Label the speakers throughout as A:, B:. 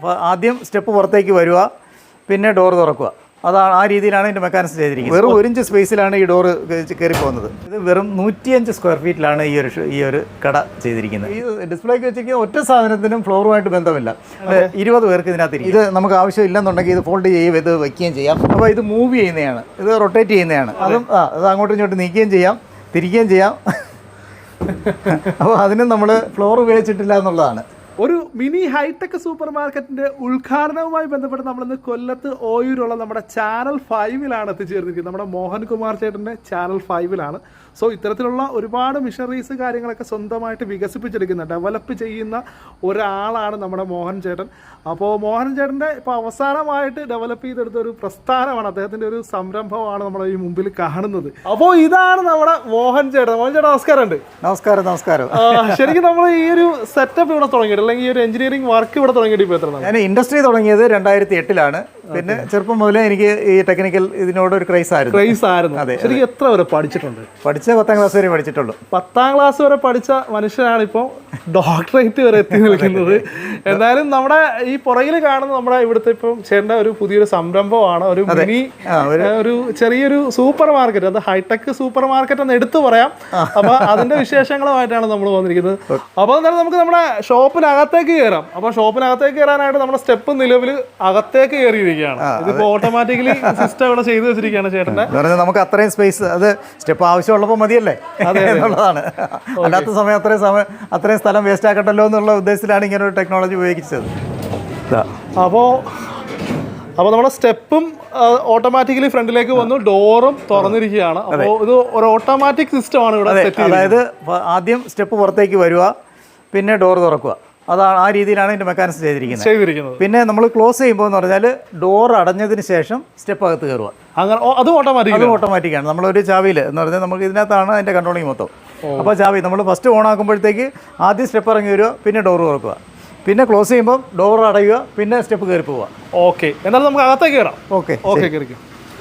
A: ആദ്യം സ്റ്റെപ്പ് പുറത്തേക്ക് വരിക, പിന്നെ ഡോർ തുറക്കുക. അതാണ് ആ രീതിയിലാണ് ഇതിൻ്റെ മെക്കാനിസം ചെയ്തിരിക്കുന്നത്. വെറും 1 ഇഞ്ച് സ്പേസിലാണ് ഈ ഡോറ് കയറി പോകുന്നത്. ഇത് വെറും 105 സ്ക്വയർ ഫീറ്റിലാണ് ഈ ഒരു കട ചെയ്തിരിക്കുന്നത്. ഈ ഡിസ്പ്ലേക്ക് വെച്ചിരിക്കുന്ന ഒറ്റ സാധനത്തിനും ഫ്ലോറുമായിട്ട് ബന്ധമില്ല. 20 പേർക്ക് ഇതിനകത്ത് ഇത് നമുക്ക് ആവശ്യമില്ലെന്നുണ്ടെങ്കിൽ ഇത് ഫോൾഡ് ചെയ്യുകയും ഇത് വയ്ക്കുകയും ചെയ്യാം. അപ്പോൾ ഇത് മൂവ് ചെയ്യുന്നതാണ്, ഇത് റൊട്ടേറ്റ് ചെയ്യുന്നതാണ്. അത് അങ്ങോട്ടും ഇങ്ങോട്ടും നീക്കുകയും ചെയ്യാം, തിരിക്കുകയും ചെയ്യാം. അപ്പോൾ അതിനും നമ്മൾ ഫ്ലോർ ഉപയോഗിച്ചിട്ടില്ല എന്നുള്ളതാണ്.
B: ഒരു മിനി ഹൈടെക് സൂപ്പർ മാർക്കറ്റിന്റെ ഉദ്ഘാടനവുമായി ബന്ധപ്പെട്ട് നമ്മളിന്ന് കൊല്ലത്ത് ഓയൂരുള്ള നമ്മുടെ ചാനൽ 5-ലാണ് എത്തിച്ചേർന്നിരിക്കുന്നത്. നമ്മുടെ മോഹൻകുമാർ ചേട്ടൻ്റെ ചാനൽ 5-ലാണ്. സോ ഇത്തരത്തിലുള്ള ഒരുപാട് മിഷനറീസ് കാര്യങ്ങളൊക്കെ സ്വന്തമായിട്ട് വികസിപ്പിച്ചെടുക്കുന്ന ഡെവലപ്പ് ചെയ്യുന്ന ഒരാളാണ് നമ്മുടെ മോഹൻ ചേട്ടൻ. അപ്പോൾ മോഹൻ ചേട്ടൻ്റെ ഇപ്പോൾ അവസാനമായിട്ട് ഡെവലപ്പ് ചെയ്തെടുത്ത ഒരു പ്രസ്ഥാനമാണ്, അദ്ദേഹത്തിൻ്റെ ഒരു സംരംഭമാണ് നമ്മുടെ ഈ മുമ്പിൽ കാണുന്നത്. അപ്പോൾ ഇതാണ് നമ്മുടെ മോഹൻ ചേട്ടൻ. മോഹൻ ചേട്ടൻ നമസ്കാരമുണ്ട്.
A: നമസ്കാരം.
B: ശരിക്കും നമ്മൾ ഈ ഒരു സെറ്റപ്പ് ഇവിടെ തുടങ്ങിയിട്ട് അല്ലെങ്കിൽ ഈ ഒരു എഞ്ചിനീയറിംഗ് വർക്ക് ഇവിടെ തുടങ്ങിയിട്ട് ഇപ്പോൾ എത്ര?
A: ഞാൻ ഇൻഡസ്ട്രി തുടങ്ങിയത് 2008-ലാണ്. പിന്നെ ചെറുപ്പം മുതലേ എനിക്ക് ഈ ടെക്നിക്കൽ ഇതിനോട് ഒരു ക്രൈസ് ആയിരുന്നു.
B: അതെ. ശരിക്കും എത്ര വരെ പഠിച്ചിട്ടുണ്ട്?
A: 10ാം ക്ലാസ് വരെ പഠിച്ചിട്ടുള്ളൂ.
B: 10ാം ക്ലാസ് വരെ പഠിച്ച മനുഷ്യനാണ് ഇപ്പോൾ ഡോക്ടറേറ്റ് വരെ എത്തി നിൽക്കുന്നത്. എന്തായാലും നമ്മുടെ ഈ പുറകിൽ കാണുന്ന നമ്മുടെ ഇവിടുത്തെ ഇപ്പം ചേട്ടൻ്റെ ഒരു പുതിയൊരു സംരംഭമാണ്, ഒരു മിനി ഒരു ചെറിയൊരു സൂപ്പർ മാർക്കറ്റ്. അത് ഹൈടെക് സൂപ്പർ മാർക്കറ്റ് എന്ന് എടുത്തു പറയാം. അപ്പൊ അതിന്റെ വിശേഷങ്ങളുമായിട്ടാണ് നമ്മൾ വന്നിരിക്കുന്നത്. അപ്പോൾ എന്തായാലും നമുക്ക് നമ്മുടെ ഷോപ്പിനകത്തേക്ക് കയറാം. അപ്പോൾ ഷോപ്പിനകത്തേക്ക് കയറാനായിട്ട് നമ്മുടെ സ്റ്റെപ്പ് നിലവിൽ അകത്തേക്ക് കയറിയിരിക്കുകയാണ്. ഇതിപ്പോ ഓട്ടോമാറ്റിക്കലി സിസ്റ്റം ഇവിടെ ചെയ്തു വെച്ചിരിക്കുകയാണ് ചേട്ടൻ്റെ.
A: നമുക്ക് അത്രയും സ്പേസ്, അത് സ്റ്റെപ്പ് ആവശ്യമുള്ളപ്പോൾ മതിയല്ലേ എന്നുള്ളതാണ്. അല്ലാത്ത സമയം അത്രയും സ്ഥലം വേസ്റ്റ് ആക്കട്ടല്ലോ എന്നുള്ള ഉദ്ദേശത്തിലാണ് ഇങ്ങനെ ഒരു ടെക്നോളജി ഉപയോഗിച്ചത്.
B: അപ്പോൾ നമ്മുടെ സ്റ്റെപ്പും ഓട്ടോമാറ്റിക്കലി ഫ്രണ്ടിലേക്ക് വന്നു, ഡോറും തുറന്നിരിക്കുകയാണ്. അപ്പോൾ ഇത് ഒരു ഓട്ടോമാറ്റിക് സിസ്റ്റമാണ് ഇവിടെ.
A: അതായത് ആദ്യം സ്റ്റെപ്പ് പുറത്തേക്ക് വരിക, പിന്നെ ഡോർ തുറക്കുക. അതാണ് ആ രീതിയിലാണ് ഇതിൻ്റെ മെക്കാനിസം ചെയ്തിരിക്കുന്നത്. പിന്നെ നമ്മൾ ക്ലോസ് ചെയ്യുമ്പോൾ എന്ന് പറഞ്ഞാൽ ഡോർ അടഞ്ഞതിന് ശേഷം സ്റ്റെപ്പ് അകത്ത് കയറുക.
B: അങ്ങനെ അത്
A: ഓട്ടോമാറ്റിക്കാണ്. നമ്മളൊരു ചാവിയിൽ എന്ന് പറഞ്ഞാൽ നമുക്ക് ഇതിനകത്താണ് അതിൻ്റെ കൺട്രോളിങ് മൊത്തം. അപ്പോൾ ചാവി നമ്മൾ ഫസ്റ്റ് ഓൺ ആക്കുമ്പോഴത്തേക്ക് ആദ്യം സ്റ്റെപ്പ് ഇറങ്ങി വരിക, പിന്നെ ഡോർ തുറക്കുക, പിന്നെ ക്ലോസ് ചെയ്യുമ്പോൾ ഡോർ അടയുക, പിന്നെ സ്റ്റെപ്പ് കയറി പോവുക.
B: ഓക്കെ, എന്നാലും നമുക്ക് അകത്തേക്ക് കയറാം.
A: ഓക്കെ,
B: കയറിക്കും.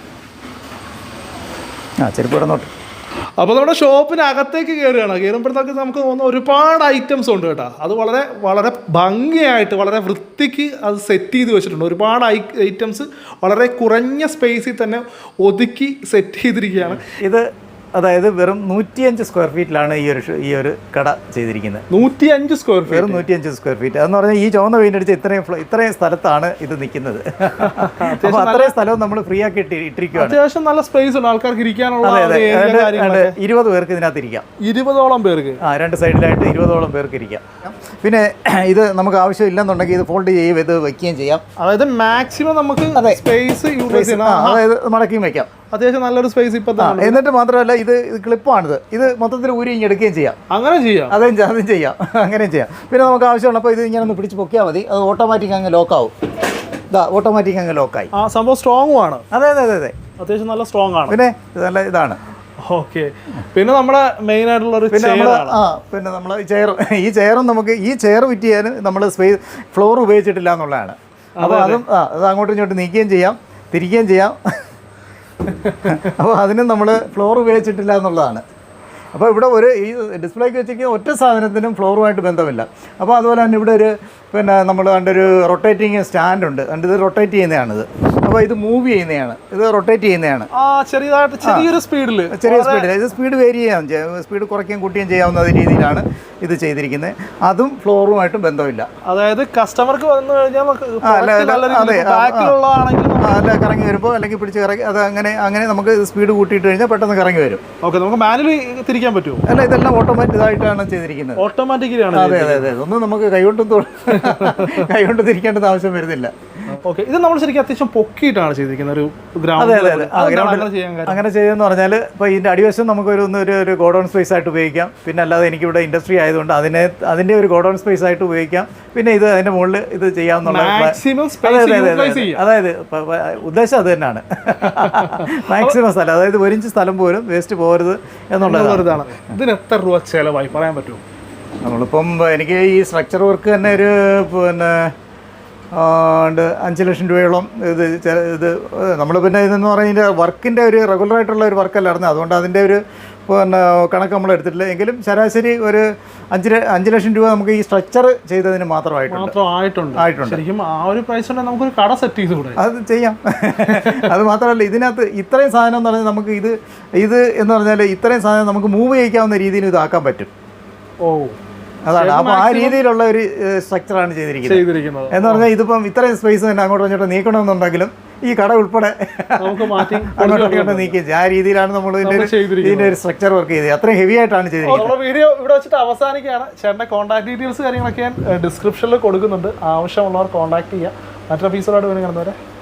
A: ചെരുപ്പ് ഇടന്നോട്ട്.
B: അപ്പോൾ നമ്മുടെ ഷോപ്പിനകത്തേക്ക് കയറുകയാണ്. കയറുമ്പോഴത്തേക്ക് നമുക്ക് തോന്നുന്ന ഒരുപാട് ഐറ്റംസ് ഉണ്ട് കേട്ടോ. അത് വളരെ വളരെ ഭംഗിയായിട്ട് വളരെ വൃത്തിക്ക് അത് സെറ്റ് ചെയ്ത് വെച്ചിട്ടുണ്ട്. ഒരുപാട് ഐറ്റംസ് വളരെ കുറഞ്ഞ സ്പേസിൽ തന്നെ ഒതുക്കി സെറ്റ് ചെയ്തിരിക്കുകയാണ്.
A: ഇത് അതായത് വെറും 105 സ്ക്വയർ ഫീറ്റിലാണ് ഈ ഒരു കട ചെയ്തിരിക്കുന്നത്.
B: 105 സ്ക്വയർ ഫീറ്റ്.
A: വെറും 105 സ്ക്വയർ ഫീറ്റ് എന്ന് പറഞ്ഞാൽ ഈ ചുവന്ന പെയിന്റ് അടിച്ച് ഇത്രയും സ്ഥലത്താണ് ഇത് നിൽക്കുന്നത്. അപ്പോൾ അത്രയും സ്ഥലവും നമ്മൾ ഫ്രീ ആക്കി ഇട്ടിരിക്കുകയാണ്.
B: അത്യാവശ്യം നല്ല സ്പേസ് ഉണ്ട് ആൾക്കാർക്ക് ഇരിക്കാനുള്ള.
A: 20 പേർക്ക് ഇതിനകത്ത് ഇരിക്കാം.
B: 20ഓളം പേർക്ക്,
A: 2 സൈഡിലായിട്ട് 20ഓളം പേർക്ക് ഇരിക്കാം. പിന്നെ ഇത് നമുക്ക് ആവശ്യമില്ലെന്നുണ്ടെങ്കിൽ ഇത് ഫോൾഡ് ചെയ്യുകയും ഇത് വയ്ക്കുകയും ചെയ്യാം.
B: അതായത് മാക്സിമം നമുക്ക് സ്പേസ് യൂട്ടിലൈസ് ചെയ്യാം.
A: അതായത് മടക്കിയും വയ്ക്കാം.
B: അത്യാവശ്യം നല്ലൊരു സ്പേസ് ഇപ്പൊ.
A: എന്നിട്ട് മാത്രമല്ല ഇത് ക്ലിപ്പാണിത്. ഇത് മൊത്തത്തിൽ ഊരി ഇങ്ങനെ എടുക്കുകയും ചെയ്യാം.
B: അങ്ങനെ ചെയ്യാം.
A: അതും ചെയ്യാം, അങ്ങനെയും ചെയ്യാം. പിന്നെ നമുക്ക് ആവശ്യമുള്ളപ്പോൾ ഇത് ഇങ്ങനെ ഒന്ന് പിടിച്ച് പൊക്കിയാൽ മതി. അത് ഓട്ടോമാറ്റിക് അങ്ങ് ലോക്കാവും. ഓട്ടോമാറ്റിക് അങ്ങ് ലോക്കായി.
B: ആ സംഭവം സ്ട്രോങ്ങും ആണ്.
A: അതെ,
B: അത്യാവശ്യം നല്ല സ്ട്രോങ് ആണ്.
A: പിന്നെ നല്ല ഇതാണ്.
B: ഓക്കെ. പിന്നെ നമ്മുടെ മെയിൻ ആയിട്ടുള്ള ഒരു
A: പിന്നെ നമ്മൾ ഈ ചെയറും നമുക്ക് ഈ ചെയർ ഫിറ്റ് ചെയ്യാൻ നമ്മൾ ഫ്ലോർ ഉപയോഗിച്ചിട്ടില്ല എന്നുള്ളതാണ്. അപ്പോൾ അത് അങ്ങോട്ടും ഇങ്ങോട്ടും നീക്കുകയും ചെയ്യാം, തിരിക്കുകയും ചെയ്യാം. അപ്പോൾ അതിനും നമ്മൾ ഫ്ലോർ ഉപയോഗിച്ചിട്ടില്ല എന്നുള്ളതാണ്. അപ്പോൾ ഇവിടെ ഈ ഡിസ്പ്ലേക്ക് വെച്ചിരിക്കുന്ന ഒറ്റ സാധനത്തിനും ഫ്ലോറുമായിട്ട് ബന്ധമില്ല. അപ്പോൾ അതുപോലെ തന്നെ ഇവിടെ നമ്മൾ കണ്ടൊരു റൊട്ടേറ്റിംഗ് സ്റ്റാൻഡ് ഉണ്ട്. ഇത് റൊട്ടേറ്റ് ചെയ്യുന്നതാണിത്. അപ്പോൾ ഇത് മൂവ് ചെയ്യുന്നതാണ്, ഇത് റൊട്ടേറ്റ് ചെയ്യുന്നതാണ്.
B: ചെറിയ സ്പീഡിൽ
A: ഇത് സ്പീഡ് വേരി ചെയ്യാം, സ്പീഡ് കുറയ്ക്കുകയും കൂട്ടുകയും ചെയ്യാവുന്ന രീതിയിലാണ് ഇത് ചെയ്തിരിക്കുന്നത്. അതും ഫ്ലോറുമായിട്ടും ബന്ധമില്ല.
B: അതായത് കസ്റ്റമർക്ക് വന്നു കഴിഞ്ഞാൽ
A: കറങ്ങി വരുമ്പോൾ അല്ലെങ്കിൽ പിടിച്ച് കറങ്ങി അങ്ങനെ നമുക്ക് സ്പീഡ് കൂട്ടിയിട്ട് കഴിഞ്ഞാൽ പെട്ടെന്ന് കറങ്ങി വരും.
B: ഓക്കെ, നമുക്ക് മാനുവലി തിരിക്കാൻ പറ്റുമോ?
A: അല്ല, ഇതെല്ലാം ഓട്ടോമാറ്റിക്കായിട്ടാണ് ചെയ്തിരിക്കുന്നത്.
B: ഓട്ടോമാറ്റിക്കലാണ്.
A: അതെ. ഒന്നും നമുക്ക് കൈകൊണ്ട് തിരിക്കേണ്ടത് ആവശ്യം വരുന്നില്ല.
B: ഓക്കെ, ഇത് നമ്മൾ ശരിക്കും അത്യാവശ്യം പൊക്കിയിട്ടാണ് ചെയ്തിരിക്കുന്നത്. ഒരു
A: അങ്ങനെ ചെയ്തെന്ന് പറഞ്ഞാൽ ഇപ്പോൾ ഇതിൻ്റെ അടിവശം നമുക്കൊരു ഗോഡൗൺ സ്പേസ് ആയിട്ട് ഉപയോഗിക്കാം. പിന്നെ അല്ലാതെ എനിക്കിവിടെ ഇൻഡസ്ട്രി ആയതുകൊണ്ട് അതിൻ്റെ ഒരു ഗോഡൗൺ സ്പേസ് ആയിട്ട് ഉപയോഗിക്കാം. പിന്നെ ഇത് അതിൻ്റെ മുകളിൽ ഇത് ചെയ്യാവുന്ന, അതായത് ഉദ്ദേശം അത് തന്നെയാണ്. മാക്സിമം സ്ഥലം, അതായത് 1 ഇഞ്ച് സ്ഥലം പോലും വേസ്റ്റ് പോകരുത് എന്നുള്ളതാണ്.
B: ഇതിന് എത്ര രൂപ ചിലവായി പറയാൻ പറ്റുമോ?
A: നമ്മളിപ്പം എനിക്ക് ഈ സ്ട്രക്ചർ വർക്ക് തന്നെ ഒരു 5 ലക്ഷം രൂപയോളം ഇത് നമ്മൾ പിന്നെ ഇതെന്ന് പറയുന്നത് വർക്കിൻ്റെ ഒരു റെഗുലറായിട്ടുള്ള ഒരു വർക്കല്ലായിരുന്നു. അതുകൊണ്ട് അതിൻ്റെ ഒരു പിന്നെ കണക്ക് നമ്മൾ എടുത്തിട്ടില്ല. എങ്കിലും ശരാശരി ഒരു 5 ലക്ഷം രൂപ നമുക്ക് ഈ സ്ട്രക്ചർ ചെയ്തതിന്
B: ആയിട്ടുണ്ട്. ശരിക്കും ആ ഒരു പ്രൈസ് ഉണ്ടെങ്കിൽ നമുക്കൊരു കട സെറ്റ് ചെയ്തുകൂടെ?
A: അത് ചെയ്യാം. അത് മാത്രമല്ല, ഇതിനകത്ത് ഇത്രയും സാധനം എന്ന് പറഞ്ഞാൽ നമുക്ക് ഇത് എന്ന് പറഞ്ഞാൽ ഇത്രയും സാധനം നമുക്ക് മൂവ് ചെയ്യിക്കാവുന്ന രീതിയിൽ ഇതാക്കാൻ പറ്റും. അതാണ്. അപ്പോൾ ആ രീതിയിലുള്ള ഒരു സ്ട്രക്ചറാണ് ചെയ്തിരിക്കുന്നത്. എന്ന് പറഞ്ഞാൽ ഇതിപ്പം ഇത്രയും സ്പേസ് തന്നെ അങ്ങോട്ടും ഇങ്ങോട്ടും നീക്കണമെന്നുണ്ടെങ്കിലും ഈ കട ഉൾപ്പെടെ അങ്ങോട്ടും നീക്കി ആ രീതിയിലാണ് നമ്മൾ ഇതിന്റെ ഒരു സ്ട്രക്ചർ വർക്ക് ചെയ്തത്. അത്രയും ഹെവി ആയിട്ടാണ് ചെയ്തിരിക്കുന്നത്.
B: വീഡിയോ ഇവിടെ വെച്ചിട്ട് അവസാനിക്കുകയാണ്. ചേട്ടൻ്റെ കോൺടാക്ട് ഡീറ്റെയിൽസ് കാര്യങ്ങളൊക്കെ ഞാൻ ഡിസ്ക്രിപ്ഷനിൽ കൊടുക്കുന്നുണ്ട്. ആവശ്യമുള്ളവർ കോൺടാക്ട് ചെയ്യുക. മറ്റൊരു എപ്പിസോഡായിട്ട് വീണ്ടും കാണുന്നവരെ